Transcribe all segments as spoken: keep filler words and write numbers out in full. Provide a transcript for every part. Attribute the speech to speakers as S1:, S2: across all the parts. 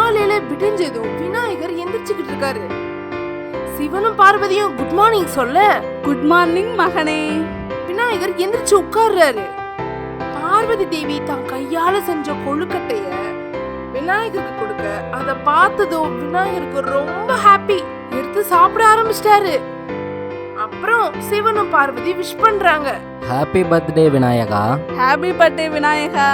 S1: காலையில விடிஞ்சதும் விநாயகர் எந்திரிச்சுக்கிட்டு இருக்காரு. சிவனும் பார்வதியும் குட் மார்னிங் சொல்ல,
S2: குட் மார்னிங் மகனே.
S1: விநாயகர் எந்திரிச்சு உட்கார்றாரு. பார்வதி தேவி தான் கையால செஞ்ச கொழுக்கட்டைய விநாயகருக்கு கொடுக்க, அத பார்த்ததும் விநாயகருக்கு ரொம்ப ஹாப்பி. எடுத்து சாப்பிட ஆரம்பிச்சிட்டாரு. அப்புறம் சிவனும் பார்வதி விஷ் பண்றாங்க.
S3: Happy birthday Vinayaka.
S2: Happy birthday Vinayaka.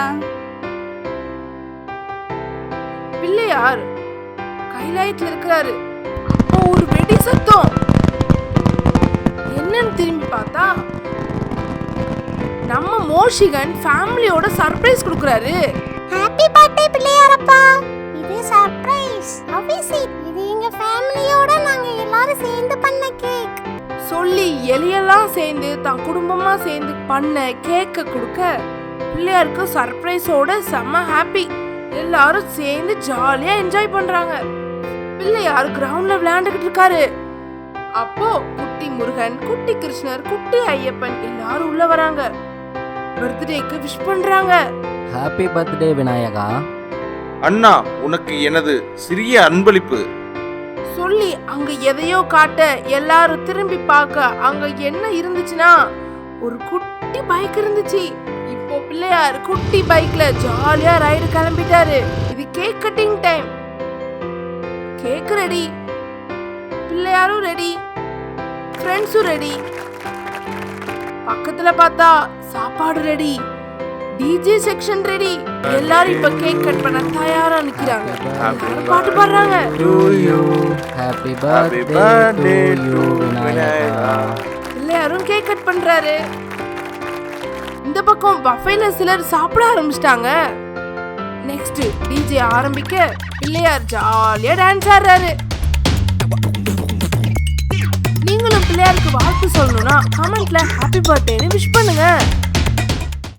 S1: Pillaiyar கைலாயத்துல இருக்கிறாரு. அப்போ ஒரு வெடி சத்தம். என்னன்னு திரும்பி பார்த்தா நம்ம மோஷிகன் ஃபேமிலியோட சர்ப்ரைஸ் கொடுக்கறாரு.
S4: ஹாப்பி பர்த்டே பிள்ளையாரப்பா. இது சர்ப்ரைஸ். ஆபீசி இது எங்க ஃபேமிலியோட நாங்க எல்லாரும் சேர்ந்து பண்ண கேக்.
S1: சொல்லி எலியெல்லாம் சேர்ந்து தான் குடும்பமா சேர்ந்து பண்ண கேக்க கொடுக்க பிள்ளையாருக்கு சர்ப்ரைஸோட செம்ம ஹாப்பி. எல்லாரும் சேர்ந்து ஜாலியா என்ஜாய் பண்றாங்க. பிள்ளையார் கிரவுண்ட்ல விளையாண்டுகிட்டு இருக்காரு. அப்போ குட்டி முருகன், குட்டி கிருஷ்ணர், குட்டி ஐயப்பன் எல்லாரும் உள்ள வராங்க. பர்த்டேக்கு விஷ் பண்றாங்க.
S3: Happy birthday Vinayaka.
S5: அண்ணா, உனக்கு எனது சிறிய அன்பளிப்பு
S1: சொல்லி அங்க எதையோ காட்ட எல்லாரும் திரும்பி பார்க்க அங்க என்ன இருந்துச்சுன்னா ஒரு குட்டி பைக் இருந்துச்சு. இப்போ பிள்ளையார் குட்டி பைக்ல ஜாலியா ரைடு கிளம்பிட்டாரு. இது cake cutting time. Cake ready, பிள்ளையாரும் ரெடி, ஃப்ரெண்ட்ஸும் ரெடி. பக்கத்துல பார்த்தா சாப்பாடு ரெடி, டிஜே செக்ஷன் ரெடி. எல்லாரும் இப்ப கேக் கட் பண்ண தயாரா நிக்கிறாங்க. பாட்டு பாடுறாங்க.
S3: Happy birthday to Vinayaka.
S1: பிள்ளையாரும் கேக் கட் பண்றாரு. இந்த பக்கம் பஃபேல சிலர் சாப்பிட ஆரம்பிச்சிட்டாங்க. நெக்ஸ்ட் டிஜே ஆரம்பிக்க பிள்ளையார் ஜாலியா டான்ஸ் ஆடுறாரு. நீங்களும் பிள்ளையாருக்கு வாழ்த்து சொல்லணும்னா கமெண்ட்ல ஹாப்பி பர்த்டேன்னு விஷ் பண்ணுங்க.